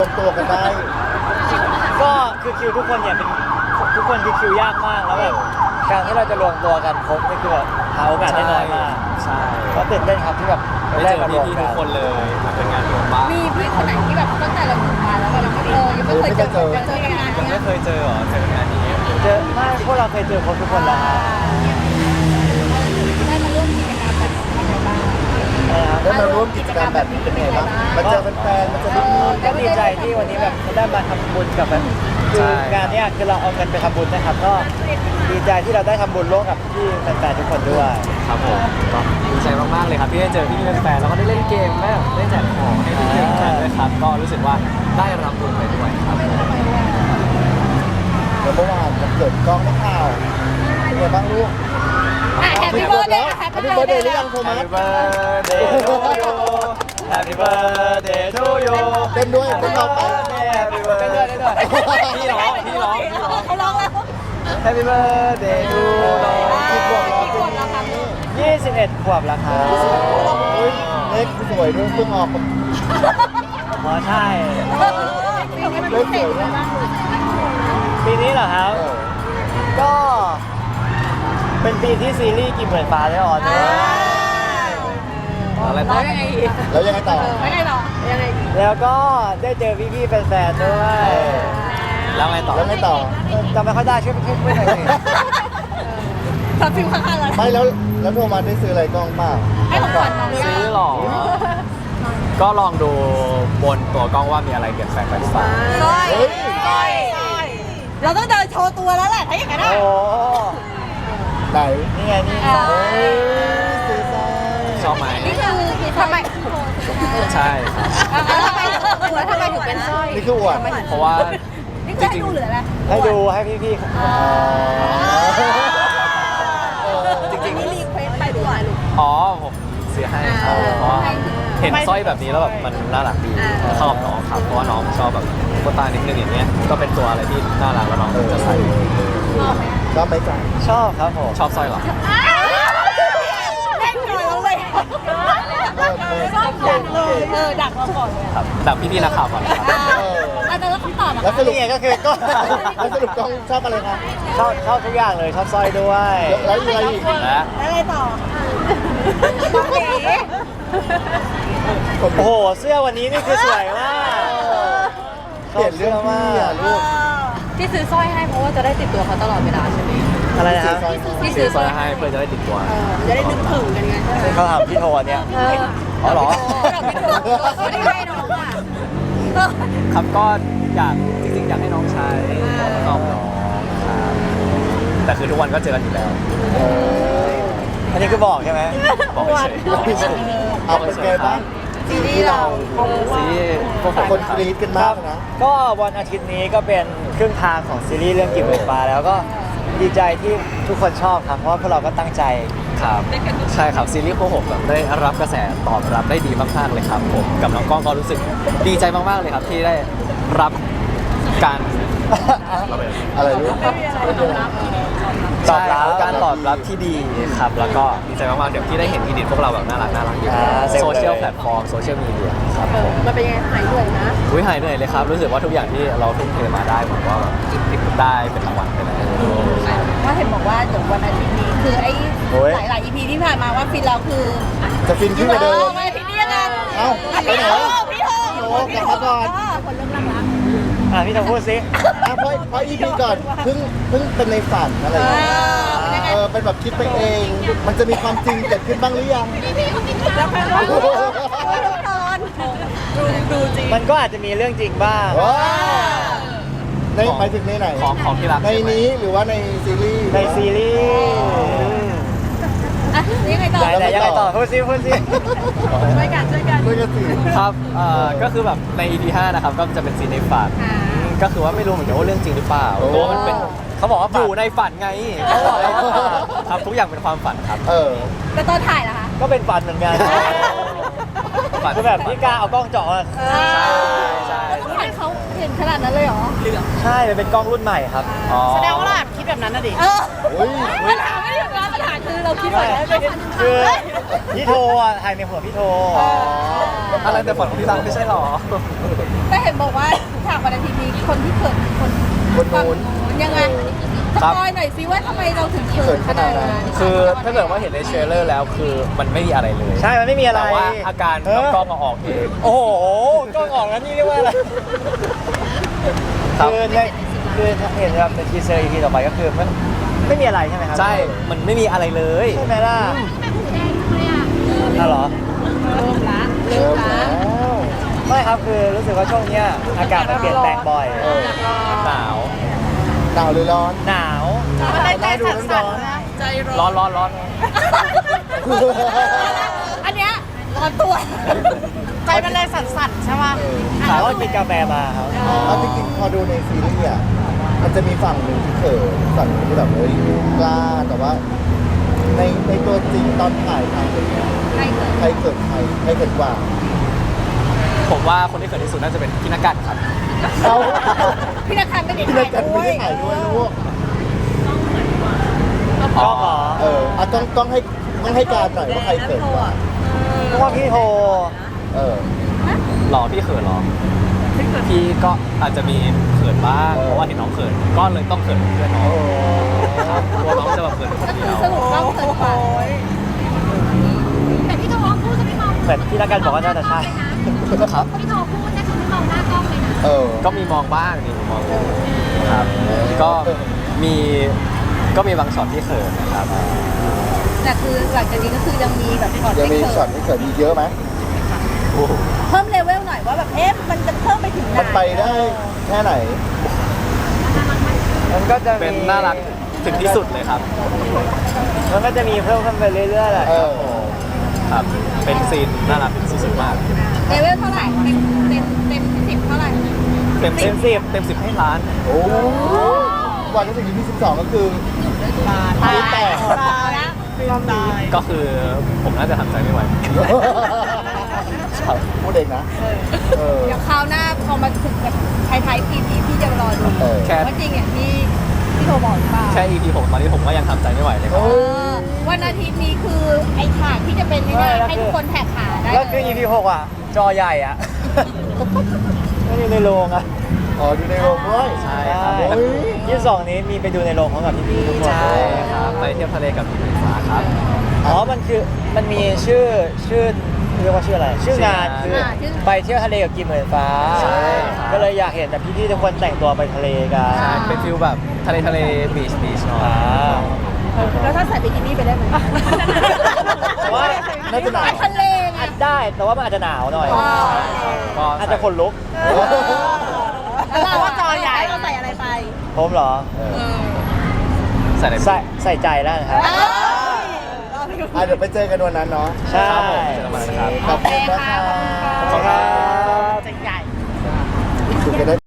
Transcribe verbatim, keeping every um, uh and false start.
รวมตัวกันได้ก็คือคิวทุกคนเนี่ยเป็นทุกคนคือคิวยากมากแล้วแบบการที่เราจะรวมตัวกันครบนี่คือแบบหาโอกาสได้น้อยมากใช่ก็ตื่นเต้นครับที่แบบได้เจอพี่ๆทุกคนเลยมันเป็นงานรวมบ้านมีพี่คนไหนที่แบบตั้งแต่เราอยู่มาแล้วเราไม่เออยังไม่เคยเจอเจอเจอกันงานยังเนี้ไม่ยเคยเจอเหรอเจองานนี้เจอไม่พวกเราเคยเจอครบทุกคนแล้วครับได้มาร่วมกิจกรรมแบบนี้ยังไงบ้างนะครับได้มาร่วมกิจกรรมแบบนี้เป็นไงบ้างมาเจอแฟนๆมาเจอพี่ก็ดีใจที่วันนี้แบบได้มาทำบุญกับแบบคืองานเนี้ยคือเราเอาเงินไปทำบุญนะครับก็ดีใจที่เราได้ทำบุญร่วมกับพี่แฟนๆทุกคนด้วยครับผมก็ดีใจมากๆเลยครับที่ได้เจอพี่ๆแฟนๆแล้วก็ได้เล่นเกมแม่ได้แจกของให้พี่ๆแฟนด้วยครับก็รู้สึกว่าได้รับบุญไปด้วยครับๆแล้วเมื่อวานวันเกิดกล้องนักข่าวเป็นไงบ้างลูกแฮปปี้เบิร์ดเดย์แฮปแฮปปี้ปี้เบิเบิร์ร์ดดเดเดย์ย์หรือยังโทมัส Happy birthday to you Happy birthday to you เต้นด้วยเต้นต่อไป Happy birthday เต้นด้วยเต้นด้วยพี่ร้องพี่ร้องพี่ร้องเขาร้องแล้ว Happy birthday to you กี่ขวบแล้วกี่ขวบแล้วครับยี่สิบเอ็ดขวบแล้วครับเฮ้ยเล็กสวยด้วยเพิ่งออกอ๋อใช่เล็กสวยนะปีนี้เหรอครับเออก็เป็นปีที่ซีรีส์กินเหมือนฟ้าได้ออนด้วยอะไรแล้ต่อวยังไงอีกแล้วยังไงต่อแล้วยังไงต่อยังไงอีกแล้วก็ได้เจอพี่ๆแฟนๆด้วยแล้วไงต่อแล้วไงต่อจำไม่ค่อยได้ช่วยช่วยช่วยหน่อยสิสับฟิวข้างๆเลยไม่แล้วแล้วโทมัสได้ซื้ออะไรกล้องเปล่าให้ของขวัญน้องซื้อหรอก็ลองดูบนตัวกล้องว่ามีอะไรเปลี่ยนแปลงไปหรือเปล่าสร้อยสร้อยเราต้องเดินโชว์ตัวแล้วแหละถ้าอย่างนั้นโอ้ไหนนี่ไงนี่ไงเฮ้ยซื้อซะชอบไหมนี่คือทำไมใช่ครับทำไมทำไมถึงเป็นสร้อยนี่คืออวดเพราะว่านี่คือให้ดูหรืออะไรให้ดูให้พี่ๆอ๋อจริงนี่รีเควสไปดูอะไรลูกๆอ๋อผมซื้อให้ครับเพราะว่าเห็นสร้อยแบบนี้แล้วแบบมันน่ารักดีเข้ากับน้องครับเพราะว่าน้องชอบแบบโคตานิดนึงอย่างเงี้ยก็เป็นตัวอะไรที่น่ารักแล้วน้องจะใส่ชอบไหมจ๊ะชอบครับผมชอบสร้อยเหรอเล่นก่อนแล้วเลยชอบดักเลยเออดักเราก่อนเลยครับดับพี่ๆนักข่าวก่อนนะครับอาจารย์แล้วคำตอบแล้วสรุปนี่ไงก็คือก็แล้วสรุปกล้องชอบอะไรคะชอบชอบทุกอย่างเลยชอบสร้อยด้วยแล้วอะไรอีกและอะไรต่อน้องเอ๋ผมโอ้โหเสื้อวันนี้นี่คือสวยมากเปลี่ยนเรื่องพี่อ่ะลูกที่ซื้อสร้อยให้เพราะว่าจะได้ติดตัวเขาตลอดเวลาใช่ไหมอะไรนะครับซอยที่ซื้ซื้ออสสร้ร้ออย ยให้เพื่อจะได้ติดตัวจะได้นึกถึงกันไงใช่ไหมเขาถามพี่โทนเนี่ยเอออ๋อเหรอไม่ได้ให้น้องอ่ะครับก็อยากจริงๆอยากให้น้องใช้ชอบน้องครับแต่คือทุกวันก็เจอกันอยู่แล้วเอออันนี้คือบอกใช่ไหมบอกเฉยเอาเป็นไงบ้างซีรีส์เราๆซีพวกผมคนกรี๊ดกันมากนะก็วันอาทิตย์นี้ก็เป็นครึ่งทางของซีรีส์เรื่องกินเหมือนฟ้าแล้วก็ดีใจที่ทุกคนชอบครับเพราะว่าพวกเราก็ตั้งใจครับใช่ครับซีรีส์พวกผมแบบได้รับกระแสตอบรับได้ดีมากๆเลยครับผมกับน้องกล้องก็รู้สึกดีใจมากๆเลยครับที่ได้รับการอะไรลูกตอบรับใช่การตอบรับที่ดีครับแล้วก็ดีใจมากๆเดี๋ยวที่ได้เห็นอีดิทพวกเราแบบน่ารักน่ารักอยู่อ่าเซ็งเลยโซเชียลแพลตฟอร์มโซเชียลมีเดียครับผมมันเป็นยังไงหายเหนื่อยนะอุ้ยหายเหนื่อยเลยครับรู้สึกว่าทุกอย่างที่เราทุ่มเทมาได้ผมว่าแบบได้เป็นรางวัลไปแล้วว่าเห็นบอกว่าเดี๋ยววันอาทิตย์นี้คือไอ้โอ้ยหลายหลาย อี พี ที่ผ่านมาว่าฟินเราคือจะฟินขึ้นกว่าเดิมวันอาทิตย์นี้ยังไงเอ้าไปไหนวะพี่โทโอ้กลับมาก่อนคนเริ่มรักรักอ่ะพี่โทพูดสิอ่ะเพราะเพราะอีพีก่อนเพิ่งเพิ่งเป็นในฝันอะไรอย่างเงี้ยเออเป็นแบบคิดไปเอง มันจะมีความจริงเกิดขึ้นบ้างหรือยังแล้วแฟนว่าตอนดูดูจริงมันก็อาจจะมีเรื่องจริงบ้างว้าวในหมายถึงในไหนของของที่รักในนี้หรือว่าในซีรีส์ในซีรีส์อ่ะยังไงต่อไหนไหนยังไงต่อพูดสิพูดสิช่วยกันช่วยกันด้วยกันสิครับเอ่อก็คือแบบใน อี พี ห้านะครับก็จะเป็นซีนในฝันอ่าก็คือว่าไม่รู้เหมือนกันว่าเรื่องจริงหรือเปล่าเพราะว่ามันเป็นเขาบอกว่าอฝันยู่ในฝันไงเขาบอกเลยว่าครับทุกอย่างเป็นความฝันครับเออแต่ตอนถ่ายล่ะคะก็เป็นฝันเหมือนกันฝันคือแบบพี่กล้าเอากล้องเจาะมาเออใช่แล้วถ่ายเขาเทเห็นขนาดนั้นเลยเหรอใช่มันเป็นกล้องรุ่นใหม่ครับอ๋อแสดงว่าเราแอบคิดแบบนั้นนะดิเออโอ้ยปัญหาไม่ได้อยู่แล้วปัญหาคือเราคิดแบบนั้นคือพี่โทอ่ะถ่ายในหัวพี่โทอะไรแต่ฝันของพี่ตังไม่ใช่หรอแต่เห็นบอกว่าฉากวันอาทิตย์นี้คนที่เกิดคือคนคนนู้นยังไงสครับปอยหน่อยสิว่าทำไมเราถึงเขินขนาดนั้นคือถ้าเกิดว่าเห็นในเทรลเลอร์แล้วคือมันไม่มีอะไรเลยใช่มันไม่มีอะไรแต่ว่าอาการเออกล้องมาออกเองโอ้โหกล้องออกแล้วนี่เรียกว่าอะไรครับคือในคือเห็นแบบในทีเซอร์ อี พี ต่อไปก็คือมันไม่มีอะไรใช่ไหมครับใช่ มันไม่มีอะไรเลยใช่ไหมล่ะน่าเหรอเริ่มละเริ่มแล้วไม่ครับคือรู้สึกว่าช่วงเนี้ยอากาศมันเปลี่ยนแปลงบ่อยเออหนาวหนาวหรือร้อนหนาวมันได้ใจสั่นๆนะใจร้อนร้อนร้อนร้อนอันเนี้ยร้อนตัวใจมันเลยสั่นๆใช่ป่ะถามว่ากินกาแฟมาครับเอาจริงๆพอดูในซีรีส์อ่ะมันจะมีฝั่งหนึ่งที่เขินฝั่งหนึ่งที่แบบเฮ้ยกล้าแต่ว่า ในในตัวจริงตอนถ่ายทำเป็นไงใครเกิดใครเขินใครใครเขินกว่าผมว่าคนที่เขินที่สุดน่าจะเป็นพี่นักกัดครับเขาพี่นักขันไม่ได้พี่นักกันไม่ได้ถ่ายด้วยลูกกล้องเหรอเอออ่ะต้องต้องให้ต้องให้การหน่อยว่าใครเขินกว่าเพราะว่าพี่โทเออหรอพี่เขินหรอ พี่ก็อาจจะมีเขินบ้างเออเพราะว่าเห็นน้องเขิน ก็เลยต้องเขินเพื่อนน้องครับกลัวน้องจะแบบเขินคนเดียวสรุปต้องเกิดกว่าแต่พี่โทพูดจะไม่มองเหมือนพี่นักการบอกว่าน่าจะใช่ครับพี่โทพูดแต่คือไม่มองหน้ากล้องเลยนะเออก็มีมองบ้างนี่มีมองอยู่ครับ ก็มีก็มีบางช็อตที่เขินนะครับแต่คือหลังจากนี้ก็คือยังมีแบบช็อตยังให้มีเขิช็อตนที่เขินอีกเยอะไหมโอ้โหเพิ่มเลเวลหน่อยว่าแบบเอ๊ะมันจะเพิ่มไปถึงไหนมันไปได้แค่ไหนมันก็จะมีเป็นน่ารักถึงที่สุดเลยครับมันก็จะมีเพิ่มขึ้นไปเรื่อยๆแหละเอครับอผมครับ เป็นซีนน่ารักสุดๆมากเลเวลเท่าไหร่เต็มเต็มเต็มสิบเท่าไหร่เต็มสิบเต็มสิบให้ล้านโอ้วันที่ถึง อี พี สิบสองก็คือตายแตกตายแล้วก็คือผมน่าจะทำใจไม่ไหวพูดเองนะ เออเดี๋ยวคราวหน้าพอมาถึงแบบท้ายๆปีนี้พี่จะรอดูเออแค่ว่าจริงอย่างที่พี่โทบอกหรือเปล่าแค่ อี พี หกตอนนี้ผมก็ยังทำใจไม่ไหวเลยครับโอ้เออวันอาทิตย์นี้คือไอ้ฉากที่จะเป็นนี่นะให้ทุกคนแท็กขาได้แล้วคือเลยอี พี หกอ่ะ จอใหญ่อ่ะ ไม่ได้ในโรงอ่ะอ๋อดูในโรงด้วยใช่ครับโอ้ยยี่สิบสองนี้มีไปดูในโรงพร้อมกับพี่ๆทุกคนใช่ครับ ไปเที่ยวทะเลกับพี่ฟ้าครับอ๋อ มันคือ มันมีชื่อ ชื่อเรียกว่าชื่ออะไร ชื่องานคืออ่าชื่อไปเที่ยวทะเลกับกิมเหมือนฟ้าใช่ครับก็เลยอยากเห็นแบบพี่ๆทุกคนแต่งตัวไปทะเลกันใช่เป็นฟิลแบบทะเลทะเลบีชบีชหน่อยอ่าแล้วถ้าใส่บิกินี่ไปได้ไหมแต่ว่าน่าจะหนาวไปทะเลไงอาจได้ แต่ว่ามันอาจจะหนาวหน่อยอ๋อก็อาจจะขนลุกแล้วเราว่าจอใหญ่เราใส่อะไรไปผมเหรอใส่ในใส่ใส่ใจแล้วนะครับอ่ะเดี๋ยวไปเจอกันวันนั้นเนาะใช่ครับผมเจอกันวันนะครับขอบคุณนะคะขอบคุณครับใจใหญ่คุยกันได้